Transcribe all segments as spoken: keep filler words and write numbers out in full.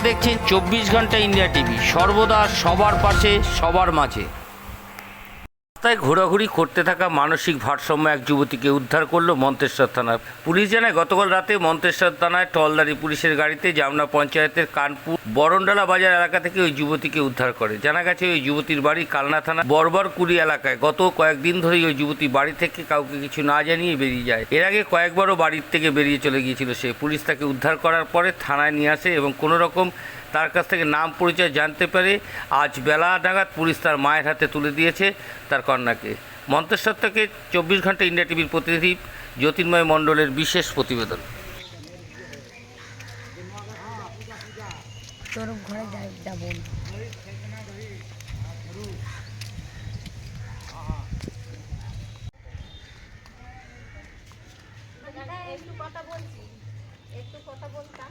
দেখছেন চব্বিশ ঘন্টা ইন্ডিয়া টিভি, সর্বদা সবার পাশে সবার মাঝে। রাস্তায় ঘোরাঘুরি করতে থাকা মানসিক ভারসাম্য এক যুবতীকে উদ্ধার করলো মন্তেশ্বর থানার পুলিশ। জানায় গতকাল রাতে মন্তেশ্বর থানায় টহলদারি পুলিশের গাড়িতে জামনা পঞ্চায়েতের কানপুর বরণডালা বাজার এলাকা থেকে ওই যুবতীকে উদ্ধার করে। জানা গেছে ওই যুবতীর বাড়ি কালনা থানা বরবরকুড়ি এলাকায়। গত কয়েকদিন ধরেই ওই যুবতী বাড়ি থেকে কাউকে কিছু না জানিয়ে বেরিয়ে যায়। এর আগে কয়েকবারও বাড়ির থেকে বেরিয়ে চলে গিয়েছিল সে। পুলিশ তাকে উদ্ধার করার পরে থানায় নিয়ে আসে এবং কোনো রকম তার কাছ থেকে নাম পরিচয় জানতে পারে আজ বেলা নাগাদ পুলিশ তার মায়ের হাতে তুলে দিয়েছে তার কন্যাকে। মন্তেশ্বর থেকে চব্বিশ ঘন্টা ইন্ডিয়া টিভির প্রতিনিধি জ্যোতির্ময় মণ্ডলের বিশেষ প্রতিবেদন। একটু কথা বলছি একটু কথা বলতাম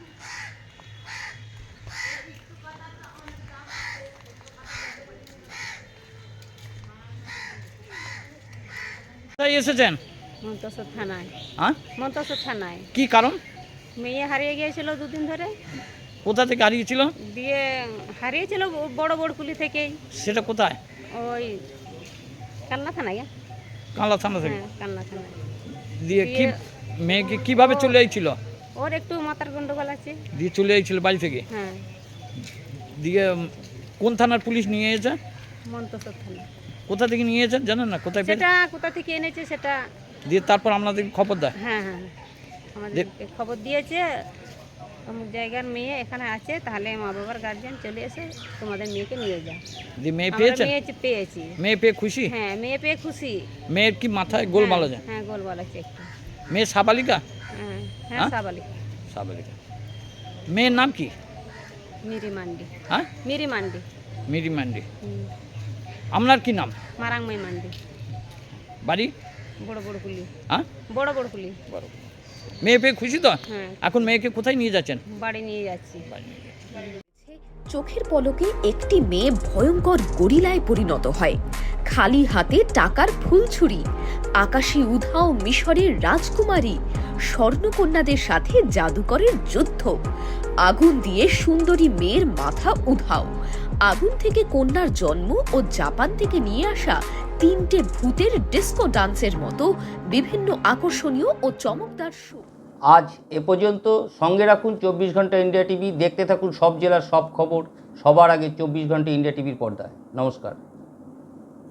কোথায় এসেছেন? মন্তেশ্বর থানায়। হ্যাঁ, মন্তেশ্বর থানায়। কি কারণ? মেয়ে হারিয়ে গিয়েছিল দুদিন ধরে। কোথা থেকে হারিয়েছিল? দিয়ে হারিয়েছিল বড় বড়কুলি থেকেই। সেটা কোথায়? ওই কালনা থানায়। কানলা থানা থেকে। হ্যাঁ, কালনা থানায়। দিয়ে কি মেয়েকে কিভাবে চলে আইছিল? ওর একটু মাথার গন্ডগোল আছে। দিয়ে চলে আইছিল বাড়ি থেকে? হ্যাঁ। দিয়ে কোন থানার পুলিশ নিয়ে এসেছে? মন্তেশ্বর থানা। কোথা থেকে নিয়ে এসেছেন জানেন না? কোথায় পেয়ে? সেটা কোথা থেকে এনেছে সেটা। দিয়ে তারপর আপনাদের খবর দেয়? হ্যাঁ হ্যাঁ আমাদেরকে খবর দিয়েছে অমুক জায়গার মেয়ে এখানে আছে, তাহলে মা বাবার গার্জিয়ান চলে এসে তোমাদের মেয়েকে নিয়ে যায়। দিয়ে মেয়ে আমরা পেয়েছেন? মেয়ে পেয়েছি। মেয়ে পেয়ে খুশি? হ্যাঁ, মেয়ে পেয়ে খুশি। মেয়ের কি মাথায় গোলমাল আছে? হ্যাঁ, গোলমাল আছে একটু। মেয়ে সাবালিকা? হ্যাঁ হ্যাঁ হ্যাঁ? সাবালিকা। সাবালিকা। মেয়ের নাম কি? মিরি মান্ডি। হ্যাঁ, মিরি মান্ডি। মিরি মান্ডি। হুম। আপনার কি নাম? মারাংমাই মান্ডি। বাড়ি? বড় বড় কুলি। হ্যাঁ, বড় বড় কুলি। বড়। মেয়ে পেয়ে খুশি তো? হ্যাঁ। এখন মেয়েকে কোথায় নিয়ে যাচ্ছেন? বাড়ি নিয়ে যাচ্ছি। চোখের পলকে একটি মেয়ে ভয়ঙ্কর গরিলায় পরিণত হয়। খালি হাতে টাকার ফুলছুরি, আকাশী উধাও মিশরের রাজকুমারী, স্বর্ণকন্যাদের সাথে জাদুকরের যুদ্ধ, আগুন দিয়ে সুন্দরী মেয়ের মাথা উধাও, আগুন থেকে কন্যার জন্ম ও জাপান থেকে নিয়ে আসা তিনটে ভূতের ডিস্কো ডান্সের মতো বিভিন্ন আকর্ষণীয় ও চমকদার শো। আজ এ পর্যন্ত। সঙ্গে রাখুন চব্বিশ ঘন্টা ইন্ডিয়া টিভি। দেখতে থাকুন সব জেলার সব খবর সবার আগে চব্বিশ ঘন্টা ইন্ডিয়া টিভির পর্দায়। নমস্কার।